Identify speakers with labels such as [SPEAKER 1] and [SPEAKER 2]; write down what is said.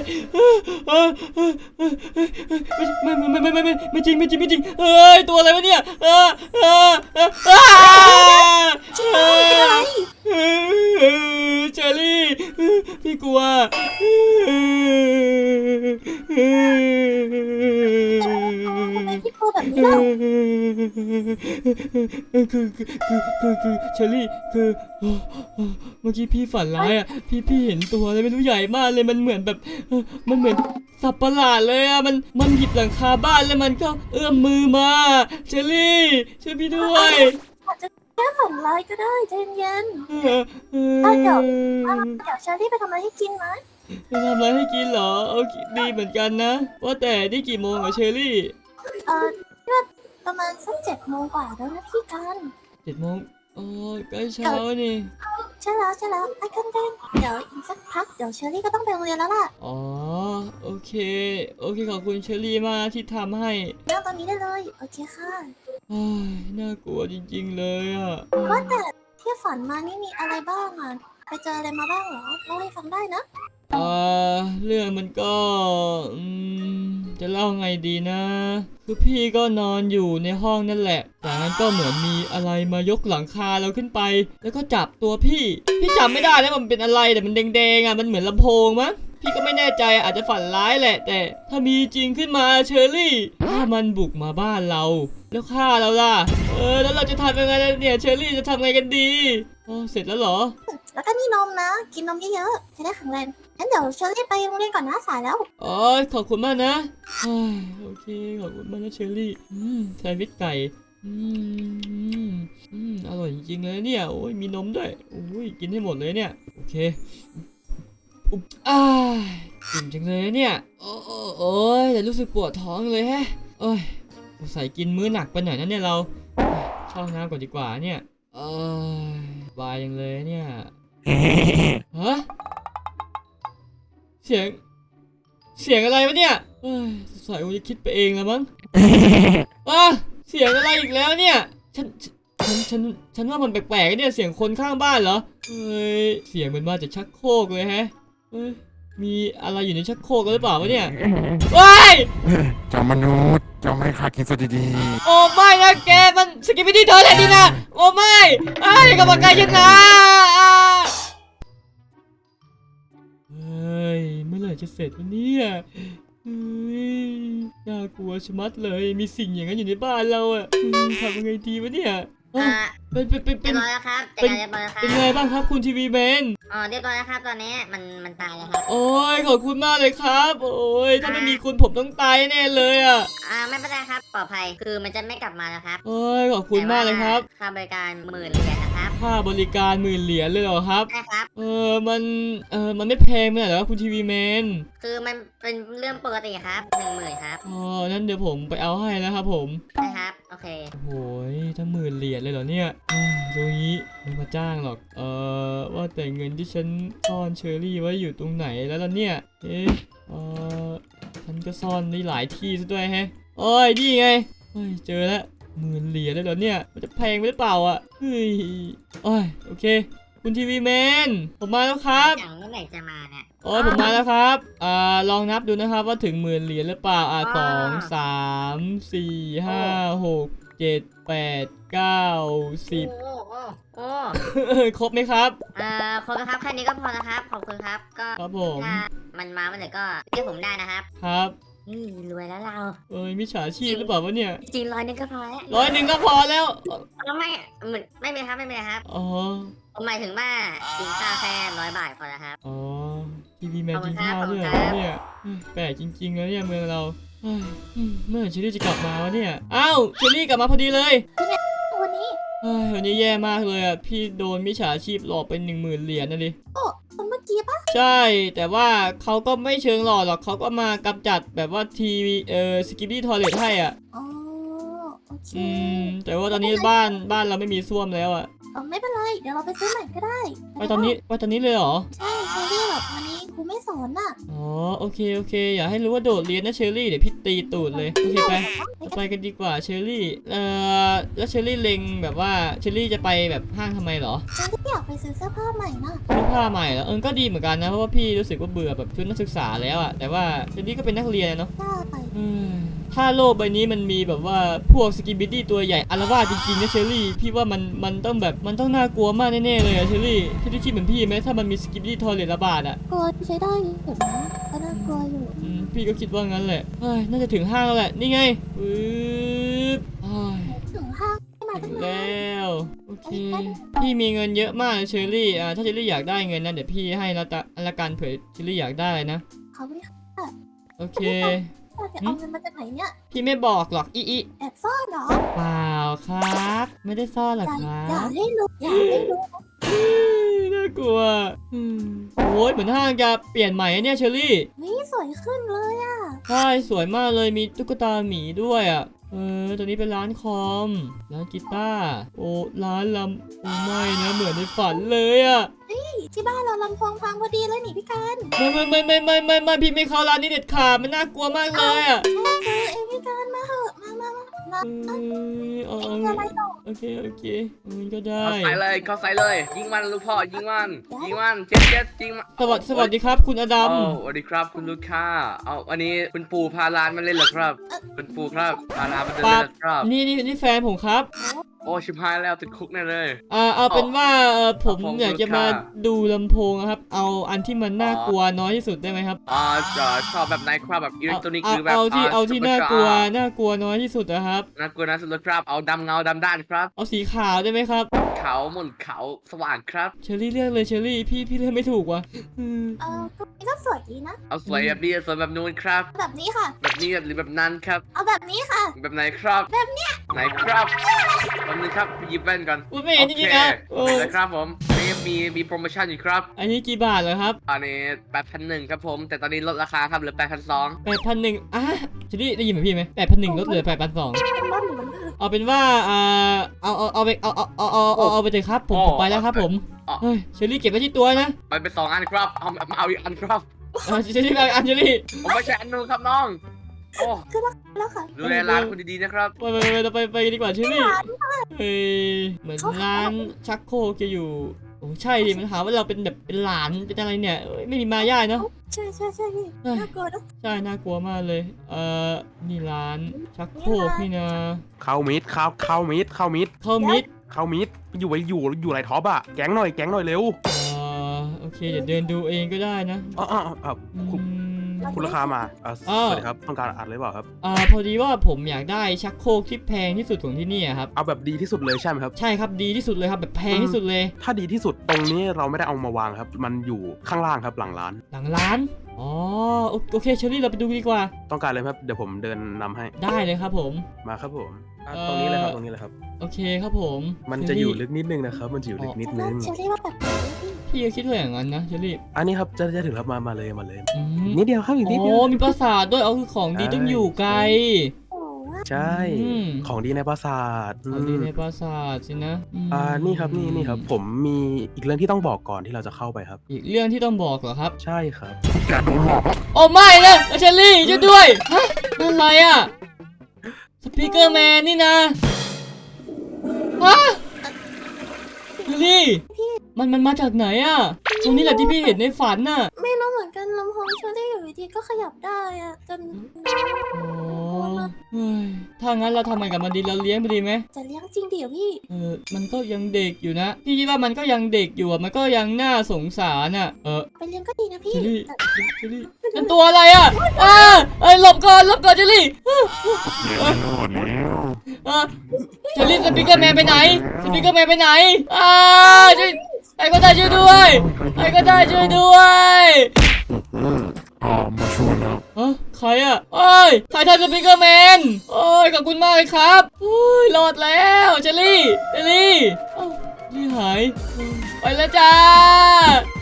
[SPEAKER 1] ไม่จริงเฮ้ยตัวอะไรวะเนี่ยเชอรี่พี่กลัว
[SPEAKER 2] พี่พูดแบบนี้แล้ว
[SPEAKER 1] คือเชอรี่คือเมื่อกี้พี่ฝันร้ายอ่ะพี่เห็นตัวอะไรไม่รู้ใหญ่มากเลยมันเหมือนแบบมันเหมือนสัตว์ประหลาดเลยอ่ะมันหยิบหลังคาบ้านแล้วมันก็เอื้อมมือมาเชอรี่ช่วยพี่ด้วย
[SPEAKER 2] อาจจะแค่ฝันร้ายก็ได้ใจเย็นเดี๋ยวเชอรี่ไปทำอะไรให้กินไหม
[SPEAKER 1] ไปทำอะไรให้กินเหรอโอเคดีเหมือนกันนะว่าแต่นี่กี่โมงเหรอเชอรี่
[SPEAKER 2] ก็ประมาณสัก7 โมงกว่าแล้วนะพี่กัน
[SPEAKER 1] 7 โมงอ๋อใกล้เช้านี่
[SPEAKER 2] ใช่แล้วไอ้กันเดนเดี๋ยวอีกสักพักเดี๋ยวเชอรี่ก็ต้องไปโรงเรียนแล้วล่ะ
[SPEAKER 1] อ๋อโอเคขอบคุณเชอรี่มากที่ทำให้
[SPEAKER 2] นั่งตอนนี้ได้เลยโอเคค่ะ
[SPEAKER 1] น่ากลัวจริงๆเลยอ่ะ
[SPEAKER 2] ว่าแต่ที่ฝันมานี่มีอะไรบ้างอ่ะไปเจออะไรมาบ้างเหรอเล่าให้ฟังได้นะ
[SPEAKER 1] เรื่องมันก็จะเล่าไงดีนะคือพี่ก็นอนอยู่ในห้องนั่นแหละจากนั้นก็เหมือนมีอะไรมายกหลังคาเราขึ้นไปแล้วก็จับตัวพี่จำไม่ได้แล้วมันเป็นอะไรแต่มันแดงๆอ่ะมันเหมือนลำโพงมั้งพี่ก็ไม่แน่ใจอาจจะฝันร้ายแหละแต่ถ้ามีจริงขึ้นมาเชอรี่ถ้ามันบุกมาบ้านเราแล้วฆ่าเราล่ะแล้วเราจะทำยังไงเนี่ยเชอรี่จะทำไงกันดีเสร็จแล้วเหรอ
[SPEAKER 2] แล้วก็นี่นมนะกินนมเยอะๆจะได้แข็งแรงงั้นเดี๋ยวเชอรี่ไปโรงเรียนก่อนนะสายแล้ว
[SPEAKER 1] ขอบคุณมากนะโอเคขอบคุณมากนะเชอรี่แซนด์วิชไก่อร่อยจริงๆเลยเนี่ยโอ้ยมีนมด้วยโอ้ยกินให้หมดเลยเนี่ยโอเคอิ่มจังเลยเนี่ยโอ้ยแต่รู้สึกปวดท้องเลยแฮะใส่กินมื้อหนักไปหน่อยนะเนี่ยเราเข้าห้องน้ำก่อนดีกว่าเนี่ยบายยังเลยเนี่ยฮะเสียงอะไรวะเนี่ยสายกูจะคิดไปเองแล้วมั้งเสียงอะไรอีกแล้วเนี่ยฉันว่ามันแปลกๆเนี่ยเสียงคนข้างบ้านเหรอเสียงมันมาจากชักโครกเลยแฮะมีอะไรอยู่ในชักโครกหรือเปล่าวะเนี่ย
[SPEAKER 3] เจ้ามนุษย์เจ้าไม่ขากินสดดี
[SPEAKER 1] โอ้ไม่นะแกมันสกิปปี้เธอเลยดีนะโอ้ไม่กรรมการชนะเมื่อไหร่จะเสร็จวะเนี่ยน่ากลัวชะมัดเลยมีสิ่งอย่างนั้นอยู่ในบ้านเราอะทำยังไงดีวะเนี่ย
[SPEAKER 4] เป็นเรียบร้อยแล้วครับเรียบร้อยแล้วครับ
[SPEAKER 1] เป็นไงบ้างครับคุณทีวีแมน
[SPEAKER 4] เรียบร้อยแล้วครับตอนนี้มันตายแล้วครับ
[SPEAKER 1] โอ้ยขอบคุณมากเลยครับโอ้ยถ้าไม่มีคุณผมต้องตายแน่เลยอ่ะ
[SPEAKER 4] ไม่เป็นไรครับปลอดภัยคือมันจะไม่กลับมาแล้วครับ
[SPEAKER 1] โอ้ยขอบคุณมากเลยครับ
[SPEAKER 4] ค่าบริการ10,000 เหรียญนะครับ
[SPEAKER 1] ค่าบริการ10,000 เหรียญเลยเหรอครับ
[SPEAKER 4] ใช่ครับ
[SPEAKER 1] มันไม่แพงไหมเหรอคุณทีวีแมน
[SPEAKER 4] คือมันเป็นเรื่องปกติครับ10,000ครับ
[SPEAKER 1] นั้นเดี๋ยวผมไปเอาให้นะครับผม
[SPEAKER 4] ใช่ครับโอเค
[SPEAKER 1] โอ้ยถ้า10,000 เหรียญเลยเหรอเนี่ยตรงนี้ไม่มาจ้างหรอกว่าแต่เงินที่ฉันซ่อนเชอรี่ไว้อยู่ตรงไหนแล้วล่ะเนี่ยฉันก็ซ่อนได้หลายที่ซะด้วยแฮะนี่ไงเจอแล้ว10,000 เหรียญเลยเหรอเนี่ยมันจะแพงไปหรือเปล่าอ่ะเฮ้ยโอเคคุณทีวีแมนผมมาแล้วครับ
[SPEAKER 4] อย่างเมื่อไหร่จะมาเนี่ย
[SPEAKER 1] ผมมาแล้วครับลองนับดูนะครับว่าถึง10,000 เหรียญหรือเปล่า2 3 4 5 6 7 8 9 10ครบไหมครับ
[SPEAKER 4] ครบแล้วครับแค่นี้ก็พอแล้วครับขอบคุณครับก็
[SPEAKER 1] ครับผม
[SPEAKER 4] มันมาเมื่อไหร่ก็เรียกผมได้นะครับ
[SPEAKER 1] ครับ
[SPEAKER 4] รวยแล้วเรา
[SPEAKER 1] มิจฉาชีพหรือเปล่าวะเนี่ย
[SPEAKER 4] จริง100 ก็พอแล้ว
[SPEAKER 1] 100ก็พอแล้ว
[SPEAKER 4] ไม่เป็นครับผมหมายถึงว่ากินข้าวแค่100 บาทพอแล้วครับ
[SPEAKER 1] ทีวีแมนกินข้าวด้วยเนี่ยแปลกจริงๆนะเนี่ยเมืองเราเมื่อเชอรี่จะกลับมาวะเนี่ยเชอรี่กลับมาพอดีเลยวันนี้แย่มากเลยอ่ะพี่โดนมิจฉาชีพหลอกไป10,000 เหรียญนะดิ
[SPEAKER 2] เมื่อกี้ปะ
[SPEAKER 1] ใช่แต่ว่าเขาก็ไม่เชิงหลอกหรอกเขาก็มากำจัดแบบว่าทีวีสกิปปี้ทอยเลทให้อ่ะ
[SPEAKER 2] โอเค
[SPEAKER 1] แต่ว่าตอนนี้บ้านเราไม่มีส้วมแล้วอ่ะ
[SPEAKER 2] ไม่เป็นไรเดี๋ยวเราไปซื้อใหม่ก็ได้
[SPEAKER 1] ไปตอนนี้เลยเหรอ
[SPEAKER 2] ใช่เชอรี่แบบวันนี้ครูไม่สอนน่ะ
[SPEAKER 1] อ๋อโอเคอย่าให้รู้ว่าโดดเรียนนะเชอรี่เดี๋ยวพี่ตีตูดเลยโอเคไปกันดีกว่าเชอรี่แล้วเชอรี่เล็งแบบว่าเชอรี่จะไปแบบห้างทำไมเหรอ
[SPEAKER 2] ฉันที่อยากไปซื้อเสื้อผ้าใหม่น่ะ
[SPEAKER 1] เสื้อผ้าใหม่เหรอก็ดีเหมือนกันนะเพราะว่าพี่รู้สึกว่าเบื่อแบบชุดนักศึกษาแล้วอะแต่ว่าเชอรี่ก็เป็นนักเรียนเนาะ
[SPEAKER 2] ได้
[SPEAKER 1] ถ้าโลกใบนี้มันมีแบบว่าพวกสกิบิดี้ตัวใหญ่อาละวาดจริงๆนะเชอรี่พี่ว่ามันต้องแบบมันต้องน่ากลัวมากแน่ๆเลยอะเชอรี่ที่คิดเหมือนพี่ไหมถ้ามันมีสกิบิดี้ทอร์เรตระบาดอะ
[SPEAKER 2] กลัวใช้ได้อยู่นะก็น่ากลัวอยู่
[SPEAKER 1] พี่ก็คิดว่างั้นแหละเฮ้ยน่าจะถึงห้างแล้วแหละนี่ไงปึ๊บเฮ้ย
[SPEAKER 2] ถึงห้างไม่มาตั้งนาน
[SPEAKER 1] แล้วโอเคพี่มีเงินเยอะมากเชอรี่ถ้าเชอรี่อยากได้เงินนะเดี๋ยวพี่ให้ละกันเผื่อเชอรี่อยากได้นะ
[SPEAKER 2] เขาไม่ค่ะ
[SPEAKER 1] โอเค
[SPEAKER 2] จะเอาเงินมาจากไหนเนี่ย
[SPEAKER 1] พี่ไม่บอกหรอกอี
[SPEAKER 2] แอบซ่อนเหรอ
[SPEAKER 1] เปล่าครับ ไม่ได้ซ่อนหรอกครั
[SPEAKER 2] อย่า
[SPEAKER 1] บ
[SPEAKER 2] ให้รู้อย่าให้รู้
[SPEAKER 1] น่ากลัวโอ้ยเหมือนห้างจะเปลี่ยนใหม่อะเนี่ยเชอรี่
[SPEAKER 2] นี่สวยขึ้นเลยอ่ะ
[SPEAKER 1] ใช่สวยมากเลยมีตุ๊กตาหมีด้วยอ่ะตัวนี้เป็นร้านคอมร้านกีตาร์โอ้ร้านลำโอ้ไม่นะเหมือนในฝันเลยอ่ะ
[SPEAKER 2] ที่บ้านเราลำโพงพังพอดีเลยนี่พี่กัน
[SPEAKER 1] ไม่พี่ไม่เข้าร้านนี้เด็ดขาดมันน่ากลัวมากเลยอ่ะ
[SPEAKER 2] เจอเองพี่กันมาเหอะมา
[SPEAKER 1] เอา
[SPEAKER 2] มีอะไรต่อ
[SPEAKER 1] โอเคมันก็ได้
[SPEAKER 5] เข้าใส่เลย ยิงมันลูกพ่อยิงมันเจ็ดยิงมัน
[SPEAKER 1] สวัสดีครับคุณอดัม
[SPEAKER 5] สวัสดีครับคุณลูกค้าเอาวันนี้คุณปู่พาร้านมาเล่นเหรอครับคุณปู่ครับพาร้านมาเล่นเหรอครับ
[SPEAKER 1] นี่แฟนผมครับ
[SPEAKER 5] โอ้ชิบหายแล้วติดคุกแน่เลย
[SPEAKER 1] เอาเป็นว่าผม
[SPEAKER 5] ผม
[SPEAKER 1] อยากจะมาดูลำโพงครับ เอาอันที่มันน่ากลัวน้อยที่สุดได้ไหมครับ
[SPEAKER 5] จะชอบแบบไหนครับแบบอิเล็กทรอนิกส์หรือแบบ
[SPEAKER 1] เอาที่น่ากลัวน้อยที่สุดนะครับ
[SPEAKER 5] น่ากลัวนะสุดครับเอาดำเงาดำด้านครับ
[SPEAKER 1] เอาสีขาวได้ไหมครับ
[SPEAKER 5] เขาหมุนเขาสว่างครับ
[SPEAKER 1] เชอรี่เลือกเลยเชอรี่พี่เลือกไม่ถูกว่ะ
[SPEAKER 2] ก็สวยดีนะ
[SPEAKER 5] เอาสวยแบบนี้สวยแบบนู้นครับ
[SPEAKER 2] แบบนี้ค่ะ
[SPEAKER 5] แบบนี้หรือแบบนั้นครับ
[SPEAKER 2] เอาแบบนี้ค่ะ
[SPEAKER 5] แบบไหนครับแบบเนี้ยไหนครับแบบนี้ครับหยิบแว่นก่อน
[SPEAKER 1] อุ๊ยไม่เห็นจริงๆครับ
[SPEAKER 5] โอเคนะครับผมนี่มีโปรโมชั่นอยู่ครับ
[SPEAKER 1] อันนี้กี่บาทเหรอครับ
[SPEAKER 5] อันนี้8,100ครับผม แต่ตอนนี้ลดราคาครับเหลือ8,200
[SPEAKER 1] 8,100เชอรี่ได้ยินเหมือนพี่ไหม8,100ลดเหลือ8,200
[SPEAKER 2] เป็นบ้านหนูมันคือ
[SPEAKER 1] เอาเป็นว่าเอาไปเอาไปเถอะครับผมไปแล้วครับผมเฮ้ยเชอรี่เก็บไว้ที่ตัวนะ
[SPEAKER 5] ไปเป็น2 อันครับเอาอีกอันครับ
[SPEAKER 1] เชอรี่ไปอันเชอรี่
[SPEAKER 5] ผมไม่ใช่อันนู้นครับน้องโอ้
[SPEAKER 2] แล้วค่ะ
[SPEAKER 5] ดูแลร้านคุณดีๆนะครับ
[SPEAKER 1] ไปกันดีกว่าเชอรี่เฮ้ยเหมือนร้านชักโครกจะอยู่โอ้ใช่ดิมันหาว่าเราเป็นแบบเป็นหลานเป็นอะไรเนี่ยไม่มีมารยาทเนาะ
[SPEAKER 2] ใช่พี่น่ากลัวนะ
[SPEAKER 1] ใช่น่ากลัวมากเลยนี่ร้านชักโครกนี่นะ
[SPEAKER 3] เข้ามิด
[SPEAKER 1] เข้ามิด
[SPEAKER 3] อยู่ไรท็อปอ่ะแก๊งหน่อยเร็ว
[SPEAKER 1] โอเคเดี๋ยวเดินดูเองก็ได้นะ
[SPEAKER 3] คุณราคามาสวัสดีครับต้องการอัดเลยเปล่าครับ
[SPEAKER 1] พอดีว่าผมอยากได้ชักโครกที่แพงที่สุดของที่นี่ครับ
[SPEAKER 3] เอาแบบดีที่สุดเลยใช่ไหมครับ
[SPEAKER 1] ใช่ครับดีที่สุดเลยครับแบบแพงที่สุดเลย
[SPEAKER 3] ถ้าดีที่สุดตรงนี้เราไม่ได้เอามาวางครับ มันอยู่ข้างล่างครับหลังร้าน
[SPEAKER 1] หลังร้านอ๋อโอเคเชอรี่เราไปดูดีกว่า
[SPEAKER 3] ต้องการเลยครับเดี๋ยวผมเดินนำให้
[SPEAKER 1] ได้เลยครับผม
[SPEAKER 3] มาครับผมตรงนี้เลยครับ
[SPEAKER 1] โอเคครับผม
[SPEAKER 3] มันจะอยู่ลึกนิดนึงนะครับมันจะอยู่ลึกนิดนึง
[SPEAKER 2] เชอรี่ว่าแบบพี่
[SPEAKER 1] พี่ก็คิดว่าอย่างนั้นนะเชอรี่
[SPEAKER 3] อันนี้ครับจะถึงแล้วมาเลย
[SPEAKER 1] อืม
[SPEAKER 3] นิดเดียวครับอีกนิดเดียว
[SPEAKER 1] มีปราสาทด้วยคือของดีต้องอยู่ไกล
[SPEAKER 3] ใช่ของดีในปราสาท
[SPEAKER 1] ของดีในปราสาทสินะ
[SPEAKER 3] นี่ครับผมมีอีกเรื่องที่ต้องบอกก่อนที่เราจะเข้าไปครับ
[SPEAKER 1] อีกเรื่องที่ต้องบอกเหรอครับ
[SPEAKER 3] ใช่ครับ
[SPEAKER 1] โอ้ไม่นะเชอรี่ช่วยด้วยฮะนั่นอะไรอ่ะสปีกเกอร์แมนนี่นะฮะเชอรี่มันมาจากไหนอ่ะตรงนี้แหละที่พี่เห็นในฝันน่ะ
[SPEAKER 2] ไม่รู้เหมือนกันลำโพงเชอรี่อยู่ดีก็ขยับได้อะจน
[SPEAKER 1] โอ้เฮ้ยถ้างั้นเราทำไงกับมันดีเราเลี้ยงไปดีไหม
[SPEAKER 2] จะเลี้ยงจริงเดี๋ยวพี่
[SPEAKER 1] มันก็ยังเด็กอยู่นะพี่คิดว่ามันก็ยังเด็กอยู่อ่ะมันก็ยังน่าสงสารอ่ะ
[SPEAKER 2] ไปเลี้ยงก็ดีนะพี่
[SPEAKER 1] เจลลี่นั่นตัวอะไรอ่ะหลบก่อนเจลลี่เจลลี่สปีกเกอร์แมนไปไหนใครก็ได้ช่วยด้วย
[SPEAKER 3] มาช่วยแล้ว
[SPEAKER 1] ใครอ่ะใครทำสปีกเกอร์แมนขอบคุณมากเลยครับรอดแล้วเจลลี่หายไปแล้วจ้า